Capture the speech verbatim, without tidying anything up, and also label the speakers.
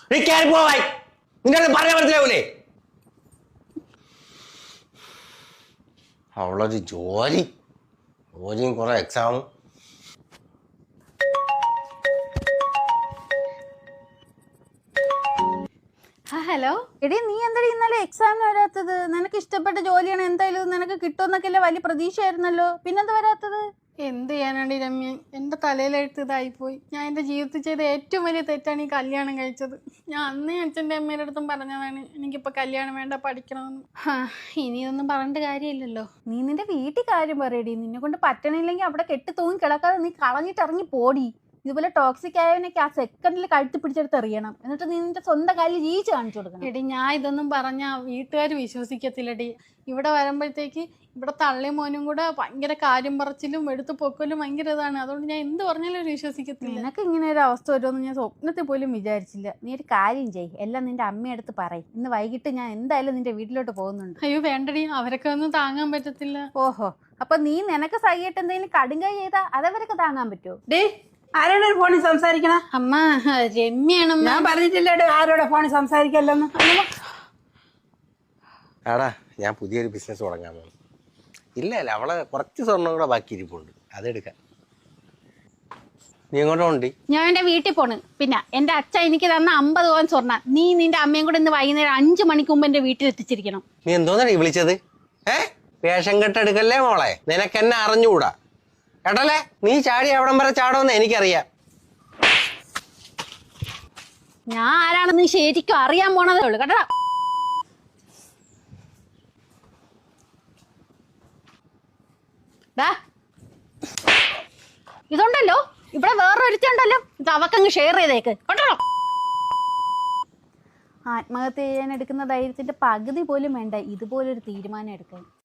Speaker 1: നീ കയറി പോവായി. നിന്റെ പറയാൻ മനസ്സിലാവൂലേ? അവളൊരു ജോലി ജോലിയും കുറെ എക്സാമും.
Speaker 2: ഹലോ എടി, നീ എന്തായാലും ഇന്നലെ എക്സാമിന് വരാത്തത്? നിനക്ക് ഇഷ്ടപ്പെട്ട ജോലിയാണ്, എന്തായാലും നിനക്ക് കിട്ടുമെന്നൊക്കെ വലിയ പ്രതീക്ഷയായിരുന്നല്ലോ, പിന്നെന്താ വരാത്തത്?
Speaker 3: എന്ത് ചെയ്യാനാണ് രമ്യ, എൻ്റെ തലയിലെഴുത്ത് ഇതായിപ്പോയി. ഞാൻ എൻ്റെ ജീവിതത്തിൽ ചെയ്ത ഏറ്റവും വലിയ തെറ്റാണ് ഈ കല്യാണം കഴിച്ചത്. ഞാൻ അന്നേ അച്ഛൻ്റെ അമ്മയുടെ അടുത്തും പറഞ്ഞതാണ് എനിക്കിപ്പോൾ കല്യാണം വേണ്ട, പഠിക്കണമെന്ന്. ഇനി ഇതൊന്നും പറഞ്ഞിട്ട് കാര്യമില്ലല്ലോ.
Speaker 2: നീ നിന്റെ വീട്ടിൽ കാര്യം പറയടി. നിന്നെ കൊണ്ട് പറ്റണില്ലെങ്കിൽ അവിടെ കെട്ടി തൂങ്ങി കിടക്കാതെ നീ കളഞ്ഞിട്ട് ഇറങ്ങി പോടി. ഇതുപോലെ ടോക്സിക് ആയവനൊക്കെ ആ സെക്കൻഡിൽ കഴുത്ത് പിടിച്ചെടുത്ത് എറിയണം. എന്നിട്ട് നീ നിന്റെ സ്വന്തം കാലിൽ ജീവിച്ച് കാണിച്ചു കൊടുക്കണം.
Speaker 3: എടി, ഞാൻ ഇതൊന്നും പറഞ്ഞാൽ വീട്ടുകാർ വിശ്വസിക്കത്തില്ലടി. ഇവിടെ വരുമ്പോഴത്തേക്ക് ഇവിടെ തള്ളി മോനും കൂടെ ഭയങ്കര കാര്യം പറച്ചിലും എടുത്തു പൊക്കലും ഭയങ്കര ഇതാണ്. അതുകൊണ്ട് ഞാൻ എന്ത് പറഞ്ഞാലും വിശ്വസിക്കത്തില്ല.
Speaker 2: നിനക്ക് ഇങ്ങനെ ഒരു അവസ്ഥ വരുമെന്ന് ഞാൻ സ്വപ്നത്തിൽ പോലും വിചാരിച്ചില്ല. നീ ഒരു കാര്യം ചെയ്യ്, എല്ലാം നിന്റെ അമ്മയടുത്ത് പറയും. ഇന്ന് വൈകിട്ട് ഞാൻ എന്തായാലും നിന്റെ വീട്ടിലോട്ട് പോകുന്നുണ്ട്.
Speaker 3: അയ്യോ വേണ്ടടി, അവരൊക്കെ ഒന്നും താങ്ങാൻ പറ്റത്തില്ല.
Speaker 2: ഓഹോ, അപ്പൊ നീ നിനക്ക് സഹിയായിട്ട് എന്തെങ്കിലും കടുങ്കൈ ചെയ്താ അതവരൊക്കെ താങ്ങാൻ പറ്റുമോ?
Speaker 4: ഡേ, ആരോടെ ഫോണിൽ സംസാരിക്കണ?
Speaker 3: അമ്മ, രമ്യാണ്.
Speaker 4: ഞാൻ പറഞ്ഞിട്ടില്ലേടോ ആരോടെ ഫോണിൽ സംസാരിക്കല്ലെന്ന്.
Speaker 1: ആടാ, ഞാൻ പുതിയൊരു ബിസിനസ് തുടങ്ങാൻ പോകുന്നു. ഇല്ല അല്ല, അവളെ കുറച്ച് സ്വർണ്ണം കൂടെ ബാക്കി ഇരിപ്പുണ്ട്, അതെടുക്കാൻ. നീ എങ്ങോട്ടാ ഉണ്ട്?
Speaker 2: ഞാൻ എന്റെ വീട്ടിൽ പോണ്. പിന്നെ എന്റെ അച്ഛൻ എനിക്ക് തന്ന അമ്പത് പവൻ സ്വർണ്ണ നീ നിന്റെ അമ്മയും കൂടെ ഇന്ന് വൈകുന്നേരം അഞ്ചു മണിക്ക് മുമ്പ് എന്റെ വീട്ടിൽ എത്തിച്ചിരിക്കണം.
Speaker 1: നീ എന്തോന്നാണ് വിളിച്ചത്? ഏ വേഷം കെട്ടെടുക്കല്ലേ മോളെ, നിനക്കെന്നെ അറിഞ്ഞുകൂടാ കേട്ടല്ലേ? നീ ചാടി അവിടം വരെ ചാടുമെന്ന് എനിക്കറിയാം.
Speaker 2: ഞാൻ ആരാണെന്ന് ശരിക്കും അറിയാൻ പോണതേ ഉള്ളു കേട്ടോ. ഇതുണ്ടല്ലോ, ഇവിടെ വേറൊരുത്തുണ്ടല്ലോ, ഇത് അവക്കങ്ങ് ഷെയർ ചെയ്തേക്ക് കേട്ടോ. ആത്മഹത്യ ചെയ്യാൻ എടുക്കുന്ന ധൈര്യത്തിന്റെ പകുതി പോലും വേണ്ട ഇതുപോലൊരു തീരുമാനം എടുക്കാൻ.